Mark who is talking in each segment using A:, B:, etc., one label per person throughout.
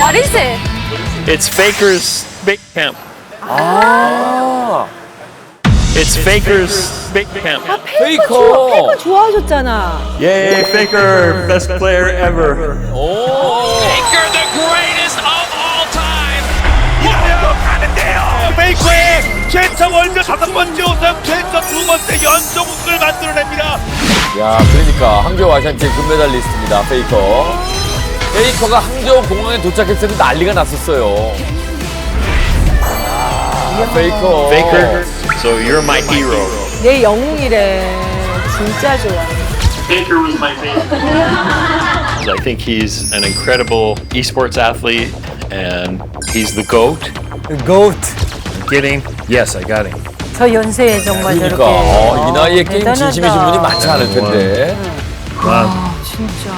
A: What is it?
B: It's Faker's big camp.
C: 아,
B: It's Faker's big camp.
C: 페이커.
D: 좋아하셨잖아.
B: Yay, Faker, best player ever.
C: 오.
E: Faker, the greatest of all time. 완벽하는데요. 페이커의 최초 월드 5번째 우승, 최초 2번째 연속 우승을 만들어냅니다.
C: 야, 그러니까 항저우 아시안게임 금메달리스트입니다. 페이커. 페이커가 항저우 공항에 도착했을 때 난리가 났었어요. 아, 페이커.
B: Faker, so you're my hero.
D: 내 영웅이래. 진짜 좋아.
B: Faker was my favorite. I think he's an incredible esports athlete, and he's the GOAT.
F: GOAT.
B: Getting? Yes, I got him.
A: 저 연세에 정말
C: 그러니까
A: 저렇게.
C: 이 나이에 게임
A: 대단하다.
C: 진심이신 분이 많지 않을 텐데.
A: 진짜.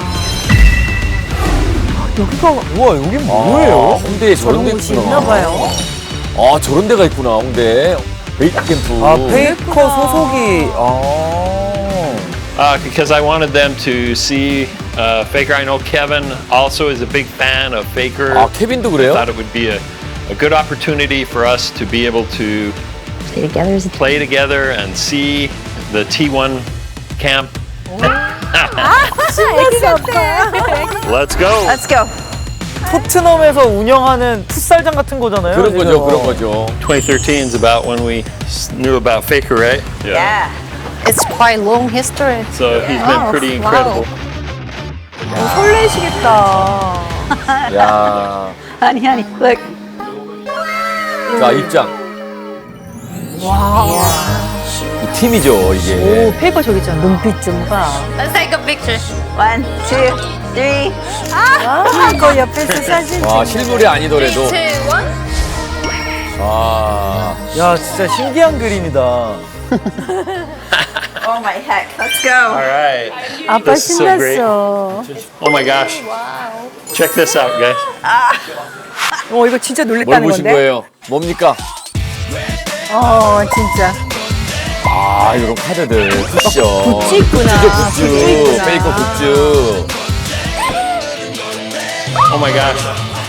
F: 우와, 여기
C: 아,
F: 뭐예요?
C: 홍대에 저런 데
A: 곳이
C: 있구나.
A: 있나 봐요.
C: 아, 저런 데가 있구나, 홍대. 베이크 캠프.
F: 아, 페이커 소속이.
B: Because I wanted them to see Faker. I know Kevin also is a big fan of Faker.
C: 아, 케빈도 그래요?
B: Thought it would be a good opportunity for us to be able to play together and see the T1 camp. Let's go.
A: Let's go.
F: 토트넘에서 운영하는 풋살장 같은 거잖아요.
C: 그런
F: 지금.
C: 거죠, 그런 거죠.
B: 2013 is about when we knew about Faker, right?
A: Yeah. It's quite long history.
B: So he's been pretty incredible.
D: 설레시겠다.
C: 야,
A: Honey, look.
C: 자, 입장. 이 팀이죠, 이게.
D: 오, 페이커 저기 있잖아.
A: 눈빛 좀 봐.
G: Let's take a picture.
A: 1, 2, 3. 페이커 옆에서 사진
C: 와,
A: 찍는.
C: 실물이 아니더라도.
G: 3, 2, 1.
C: 아,
F: 야, 진짜 신기한 그림이다.
A: Oh my heck. Let's go.
B: All right.
A: 아빠
B: This is so great.
A: 신났어.
B: Oh my gosh. Check this out, guys.
D: 이거 진짜
C: 뭘
D: 놀랬다는
C: 보신
D: 건데?
C: 거예요? 뭡니까?
A: 진짜.
C: 아, 이런 카드들. 쿠션.
D: 굿즈 있구나.
C: 굿즈,
D: 굿즈
C: 굿즈.
D: 있구나.
C: 페이커 굿즈.
B: Oh my gosh.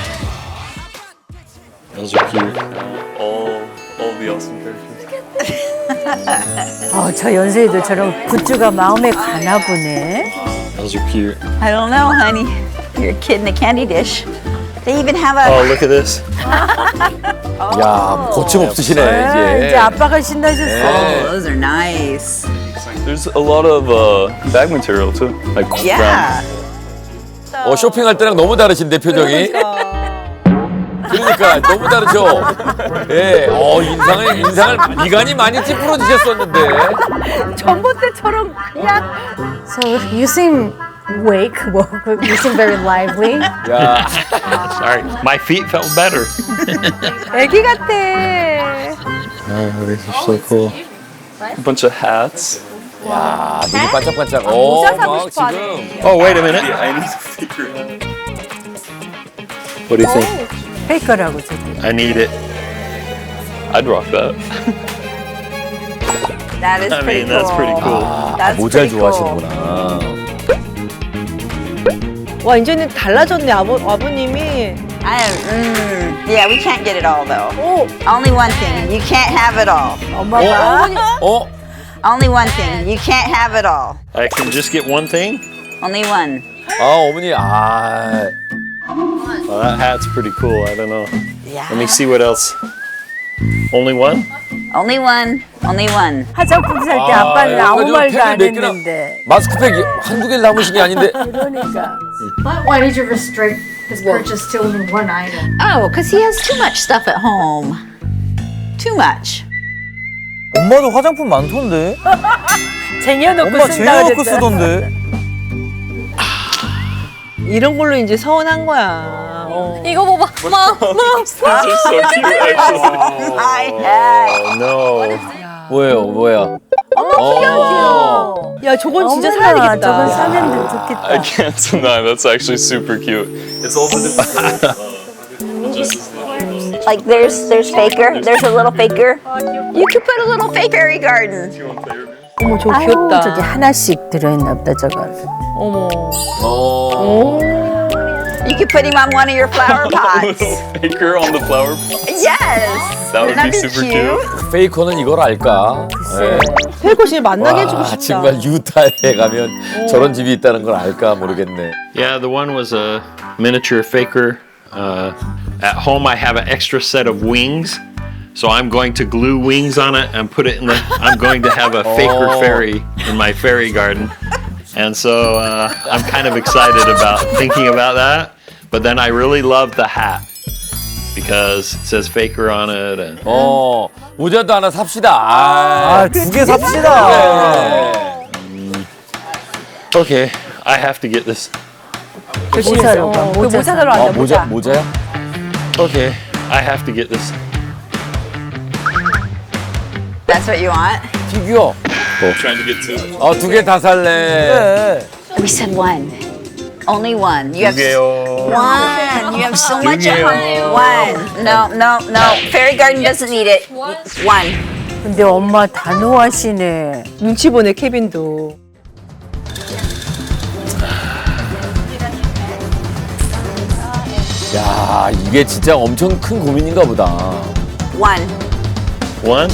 B: Those are cute. All the awesome characters.
A: 저 연세에도 저런 굿즈가 마음에 가나 보네.
B: Those are cute.
A: I don't know, honey. You're a kid in a candy dish. They even have
B: Oh,
A: a.
B: look at this.
C: 야, 거침없으시네,
A: 이제
C: 이제.
A: 아빠가 신나셨어.
C: 네.
A: Those are nice.
B: There's a lot of bag material too, like
A: Yeah.
C: 쇼핑할 때랑 너무 다르신데, 표정이. 그러니까, 너무 다르죠? 예, 인상을 미간이 많이 찌푸러지셨었는데.
A: 전봇대처럼 그냥.
G: So you seem awake. Well, you seem very lively.
C: 야,
B: Sorry, my feet felt better.
D: 애기 같아.
B: Oh, these are so cool. A bunch of hats.
C: 야, 눈이 반짝반짝.
D: 모자 사고
C: 막
D: 싶어
C: 지금.
B: Oh, wait a minute. I need a figure. What do you think?
A: 페이커라고 저기.
B: I need it. I'd rock that.
A: That is
B: I
A: pretty
B: mean, that's pretty cool.
A: That's
C: 모자를
A: pretty cool.
C: 좋아하시는구나.
D: 와, 이제는 달라졌네, 아버님이.
A: Yeah, we can't get it all though.
D: 오,
A: Only one thing, you can't have it all.
D: 엄마가.
C: 어?
A: Only one thing, you can't have it all.
B: I can just get one thing?
A: Only one.
C: 아, 어머니, 아.
B: Well, that hat's pretty cool. I don't know.
A: Yeah.
B: Let me see what else. Only one?
A: Only one. Only one.
D: 화장품 살 때
C: 아,
D: 아빠는 아무
C: 그래가지고
D: 말도 안
C: 펜을 몇 개나-
D: 했는데.
C: 마스크팩 한두 개를 남으신 게 아닌데.
D: 그러니까.
G: Why did you restrict his purchase to only one item?
A: Oh, because he has too much stuff at home. Too much.
F: 엄마도 화장품 많던데?
D: 쟁여놓고
F: 엄마
D: 쓴다
F: 쟁여놓고
D: 그랬잖아.
F: 쓰던데?
D: 이런 걸로 이제 서운한 거야.
G: 이거 봐봐.
B: These are so cute, actually.
A: My heck.
B: Oh, no.
C: 뭐야?
D: 야, 저건 진짜
A: 어머나,
D: 사야겠다.
A: 저건 사면 좋겠다.
B: I can't deny that's actually super cute. It's also
A: Like there's Faker. There's a little Faker. You could put a little Fakery garden.
D: 어머, 저거
A: 아유,
D: 귀엽다.
A: 저기 하나씩 들어있나 보다 저건.
D: 어머.
C: 어.
A: You could put him on one of your flower pots.
H: Faker on the flower pot.
A: Yes.
H: That would
A: Wouldn't
H: be
A: that
H: super
A: cute?
C: 페이커는 이걸 알까? 네.
D: 페이커 씨 만나게 해주고
C: 와,
D: 싶다.
C: 정말 유타에 가면 저런 집이 있다는 걸 알까 모르겠네.
B: Yeah, the one was a miniature faker. At home, I have an extra set of wings. So I'm going to glue wings on it and put it in the. I'm going to have a faker
C: Oh.
B: fairy in my fairy garden. And so I'm kind of excited about thinking about that. But then I really love the hat because it says faker on it. And
C: 모자도 하나 삽시다.
F: 아, 두 개 삽시다.
C: 네.
B: okay, I have to get this.
D: 열심히 사러 가. 모자 사러
C: 아,
D: 간다.
C: 모자야?
B: Okay, I have to get this.
A: That's what you want?
C: 피규어.
H: Trying to get two.
C: 두 개 다 살래.
F: 네.
A: We said one. Only one. You have
B: 개요.
A: one. You have so much at
B: 개요.
A: home. One. No. Fairy garden doesn't need it. One.
D: 근데 엄마 단호하시네. 눈치 보네 케빈도.
C: 야, 이게 진짜 엄청 큰 고민인가 보다.
A: One.
B: One.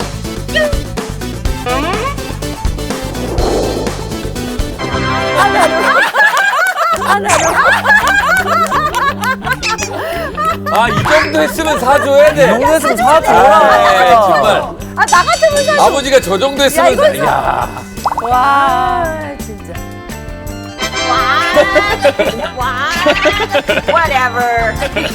C: 이 정도 했으면 사줘야 돼.
F: 이 정도 했으면 사줘.
C: 네, 정말.
D: 나 같으면 사.
C: 아버지가 저 정도 했으면 야,
D: 와 진짜.
A: Whatever.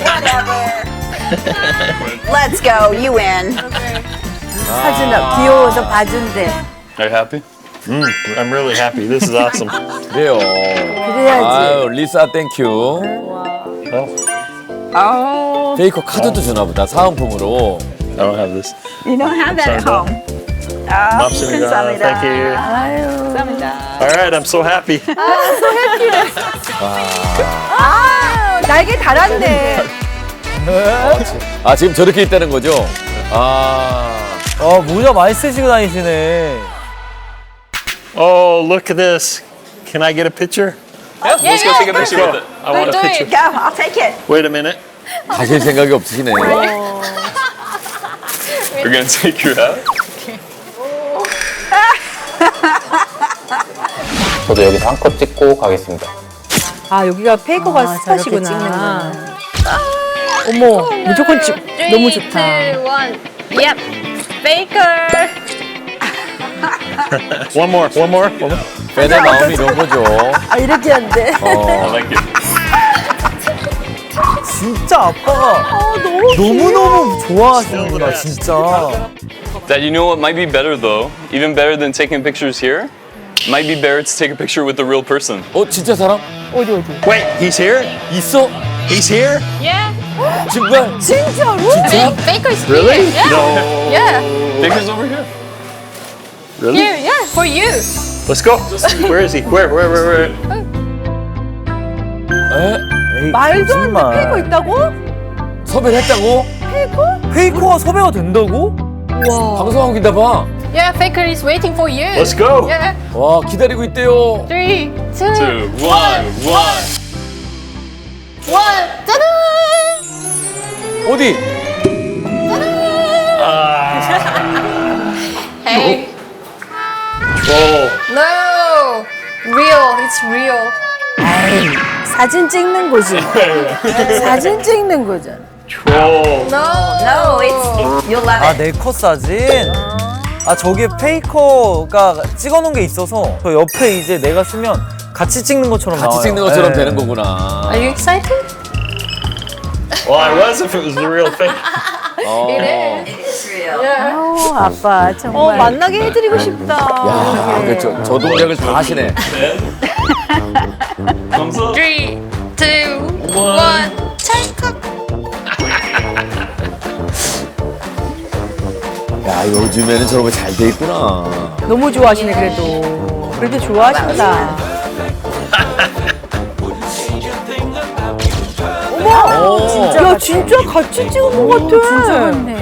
A: Let's go. You win.
D: 사준아 귀여워서 봐준대.
H: Are you happy?
B: I'm really happy. This is awesome.
C: 그래요.
D: 그래야지.
C: 아유, 리사 땡큐.
A: Oh,
C: 페이커 카드도 주나 보다, 사은품으로.
B: I don't have this.
A: you don't have that at
B: Sorry,
A: home. Oh,
B: 감사합니다. Thank you. All right, I'm so happy.
D: 날개 달았네.
C: 지금 저렇게 있다는 거죠?
F: 모자 많이 쓰시고 다니시네.
B: Oh, look at this. Can I get a picture?
H: Let's go take a picture with it.
B: I want a picture.
A: Go. I'll take it.
B: Wait a minute.
C: 가실 생각이 없으시네.
H: We're gonna take your hat.
I: 저도 여기서 한 컷 찍고 가겠습니다.
D: 아 여기가 페이커가 스팟이구나. 어머 무조건 찍. 너무 좋다.
A: Yep. Faker.
B: One more.
C: 팬의 마음이 이런 거죠.
D: 아 이렇게 한대.
H: I like it.
F: 진짜 아빠가 너무너무 좋아하시는구나, 진짜.
H: Dad, you know what might be better though? Even better than taking pictures here? Might be better to take a picture with the real person.
C: 진짜 사람?
D: 어디.
B: Wait, he's here?
C: 있어?
B: He's here?
C: 정말?
D: 진짜로?
C: 진짜?
G: Baker's
B: Really?
G: here. Yeah.
B: No.
G: Yeah.
H: Baker's over here.
B: Really?
G: Here, yeah, for you.
B: Let's go. Where is he? Where?
C: 에?
F: 에이,
D: 말도 안 돼.
F: 거짓말.
D: 페이커 있다고?
C: 섭외를 했다고?
F: 페이커가 섭외가 된다고?
C: 방송하고 있나 봐.
G: Yeah, Faker is waiting for you.
B: Let's go.
G: Yeah.
C: 와, 기다리고 있대요.
G: 3, 2,
H: 2, 1, 1.
G: 짜잔!
C: 어디?
G: Hey.
B: Troll.
G: No. Real. It's real.
D: 사진 찍는 거지. 사진 찍는 거잖아.
B: Troll.
A: No, it's you'll love it.
F: 내 컷 사진? 저기에 페이커가 찍어놓은 게 있어서 저 옆에 이제 내가 쓰면 같이 찍는 것처럼 나와요.
C: 같이 찍는 것처럼
F: 네.
C: 되는 거구나.
G: Are you excited?
B: Well, I was if it was the real thing.
A: It's real.
D: 아빠 정말. 만나게 해드리고 싶다.
C: 야, 저 동작을 다 하시네.
H: Thumbs up.
G: 3, 2, 1. 찰칵.
C: 야, 요즘에는 저런 거 잘 돼 있구나.
D: 너무 좋아하시네 그래도. 그래도 좋아하신다.
C: 오,
D: 야 진짜 같이 찍은 것 같아. 진짜 같네.